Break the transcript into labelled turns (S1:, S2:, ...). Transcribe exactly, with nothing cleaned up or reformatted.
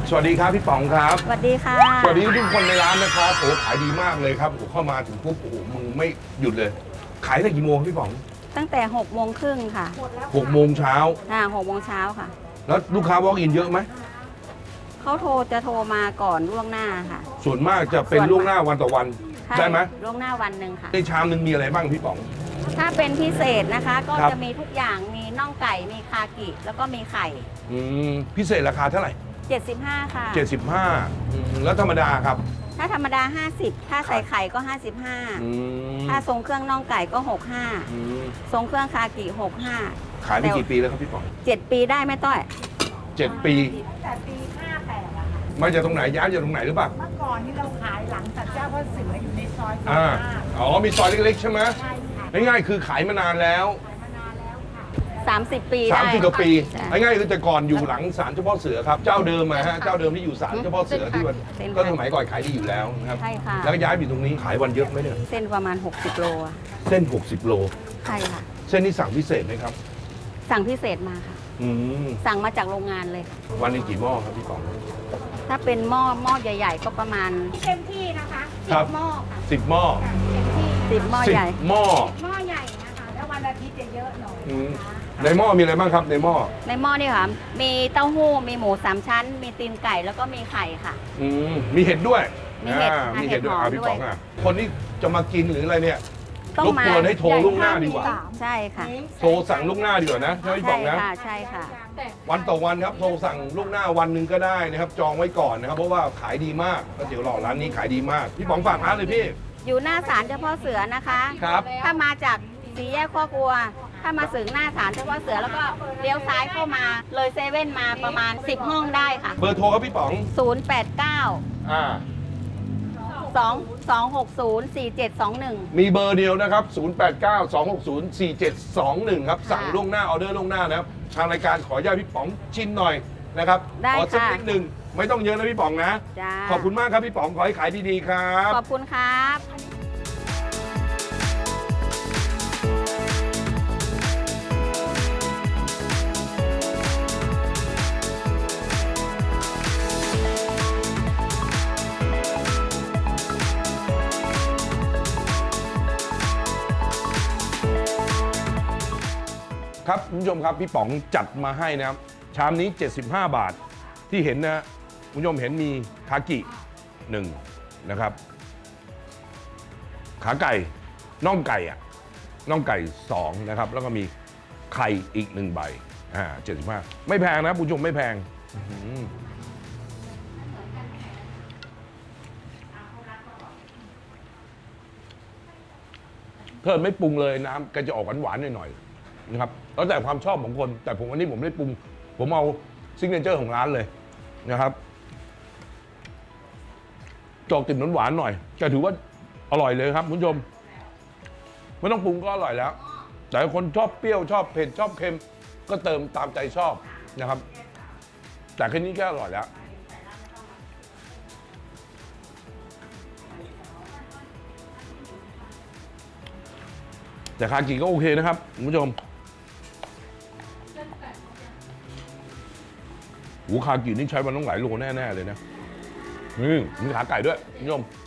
S1: สวัสดีครับพี่ป๋องครับ
S2: สวัสดีค่ะ
S1: สวัสดีทุกคนในร้านนะครับโอ้ขายดีมากเลยครับโอ้เข้ามาถึงปุ๊บโอ้โหมึงไม่หยุดเลย ขายตั้งกี่โมงพี่ป๋อง
S2: ตั้งแต่หกโมงครึ่งค่ะ
S1: หกโมงเช้า
S2: อ่าหกโมงเช้าค่ะ
S1: แล้วลูกค้า walk in เยอะไหม
S2: เขาโทรจะโทรมาก่อนล่วงหน้าค่ะ
S1: ส่วนมากจะเป็นล่วงหน้าวันต่อวัน
S2: ใช่
S1: ได้ไหม
S2: ล่วงหน้าวันหนึ่งค่ะ
S1: ในชามหนึ่งมีอะไรบ้างพี่ป๋อง
S2: ถ้าเป็นพิเศษนะคะ ก็
S1: ครับ
S2: จะมีทุกอย่างมีน่องไก่มีคากิแล้วก็มีไข่
S1: อืมพิเศษราคาเท่าไหร่
S2: เจ็ดสิบห้าค่ะ
S1: เจ็ดสิบห้าอืมแล้วธรรมดาครับ
S2: ถ้าธรรมดาห้าสิบถ้าใส่ไข่ก็ห้าสิบห้า
S1: อืม
S2: ถ้าทรงเครื่องน่องไก่ก็หกสิบห้า
S1: อืม
S2: ทรงเครื่องคากิหกสิบห้า
S1: ขายไปกี่ปีแล้วครับพี่ป๋อง
S2: เจ็ดปีได้ไหมต้อย
S1: เจ็ดปี
S3: แต่ปีห้าแปดอะค่ะ
S1: มาจากตรงไหนย้ายจากตรงไหนหรือเปล่า
S3: เมื่อก่อนนี่เราขายหลังสัตว์เจ้าพ่อเสืออยู่ในซอยพ
S1: อ่า
S3: ม่า
S1: อ๋อมีซอยเล็กๆใช่ไหม
S3: ใช่ค่ะ
S1: ง่ายๆคือขายมานานแล้ว
S3: ขายมานานแล้วค่ะ
S2: สามสิบปี
S1: สาม
S2: ได้
S1: สิบกว่าปี
S2: ใช่
S1: ง่ายๆคือแต่ก่อนอยู่หลังศาลเจ้าพ่อเสือครับเจ้าเดิมอะฮะเจ้าเดิมที่อยู่ศาลเจ้าพ่อเสือที่วัน
S2: เส้น
S1: ก็สมัยก่อนขายดีอยู่แล้วนะครับ
S2: ใช่ค่ะ
S1: แล้วก็ย้ายไปอยู่ตรงนี้ขายวันเยอะไหมเนี่ย
S2: เส้นประมาณหกสิบโลอะ
S1: เส้น หกสิบ โล
S2: ใช่ค่ะ
S1: เส้นนี้สั่งพิเศษไหมครับ
S2: สั่งพิเศษมาค่ะ
S1: อืม
S2: สั่งมาจากโรงงานเลยค่ะ
S1: วันนี้กี่หม้อครับพี่ป๋อง
S2: ถ้าเป็นหม้อหม้อใหญ่ ๆ ก็ประมาณ
S3: เต็มที่นะคะสิ
S1: ครับ บ
S3: หม้อค่ะ
S1: สิบหม้อ
S3: ค่ะเต็มที่
S2: สิบหม้อ
S1: สิบ
S2: ใหญ่
S1: หม้อ
S3: หม้อใหญ่นะคะ แล้ววันอาทิตย์จะเยอะหน่อย
S1: อืม
S3: นะคะ
S1: ในหม้อมีอะไรบ้างครับในหม้อ
S2: ในหม้อนี่ค่ะ มีเต้าหู้ มีหมูสามชั้น มีตีนไก่ แล้วก็มีไข่ค่ะ
S1: อืมมีเห็ดด้วย
S2: มีเห็ด
S1: อ่า
S2: ค่ะ
S1: มีเห็ดด้วย
S2: เห็ดหอม
S1: อ่าพี่ป๋อง
S2: ด้วย
S1: อ่ะคนที่จะมากินหรืออะไรเนี่ย
S2: ต้อง
S1: รบ
S2: มาก
S1: วนให้โทรล่วงหน้าดีกว่า
S2: ใช่ค่ะ
S1: โทรสั่งล่วงหน้าดีกว่านะใช่ไหมพี่ป๋
S2: ใช่
S1: องนะ
S2: ค่ะ ใช่ค่ะ
S1: วันต่อวันครับโทรสั่งล่วงหน้าวันหนึ่งก็ได้นะครับ จองไว้ก่อนนะครับเพราะว่าขายดีมากก๋วยเตี๋ยวหล่อร้านนี้ขายดีมาก พี่ป๋องฝากร้านเลยพี่
S2: อยู่หน้าศาลเจ้าพ่อเสือนะคะ
S1: ครับ
S2: ถ้ามาจากสี่แยกข้อกลัว ถ้ามาถึงหน้าศาลเจ้าพ่อเสือแล้วก็เลี้ยวซ้ายเข้ามา เลยเซเว่นมาประมาณสิบห้องได้ค่ะ
S1: เบอร์โทรครับพี่ป๋อง
S2: ศูนย์ แปด เก้า
S1: อ่า
S2: สอง สอง หก ศูนย์ สี่ เจ็ด สอง หนึ่ง
S1: มีเบอร์เดียวนะครับ ศูนย์ แปด เก้า สอง หก ศูนย์ สี่ เจ็ด สอง หนึ่ง ครับ สั่ง
S2: ค่ะ
S1: ล่วงหน้าออเดอร์ล่วงหน้านะครับ ทางรายการขออนุญาตพี่ป๋องชิมหน่อยนะครับ
S2: ได้
S1: ขอสัก
S2: ค่ะ
S1: นิดหนึ่งไม่ต้องเยอะนะพี่ป๋องนะ
S2: จ้า
S1: ขอบคุณมากครับพี่ป๋อง ขอให้ขายดีๆครับ
S2: ขอบคุณครับ
S1: ครับคุณผู้ชมครับพี่ป๋องจัดมาให้นะครับชามนี้เจ็ดสิบห้าบาทที่เห็นนะคุณผู้ชมเห็นมีคากิหนึ่งนะครับขาไก่น่องไก่อะน่องไก่สองนะครับแล้วก็มีไข่อีกหนึ่งใบอ่าเจ็ดสิบห้าไม่แพงนะคุณผู้ชมไม่แพงอื้อหือเพิ่มไม่ปรุงเลยน้ำก็จะออกหวานๆหน่อยๆ นะครับแล้วแต่ความชอบของคน แต่ผมวันนี้ผมไม่ได้ปรุง ผมเอาซิกเนเจอร์ของร้านเลยนะครับจอกติ่มหวานๆหน่อยก็ถือว่าอร่อยเลยครับคุณผู้ชมไม่ต้องปรุงก็อร่อยแล้ว แต่คนชอบเปรี้ยวชอบเผ็ดชอบเค็มก็เติมตามใจชอบนะครับ แต่แค่นี้ก็อร่อยแล้ว แต่คากิก็โอเคนะครับคุณผู้ชมหูคากินี่ใช้วันต้องหลายโลแน่ๆเลยนะนี่มีขาไก่ด้วยคุณผู้ชม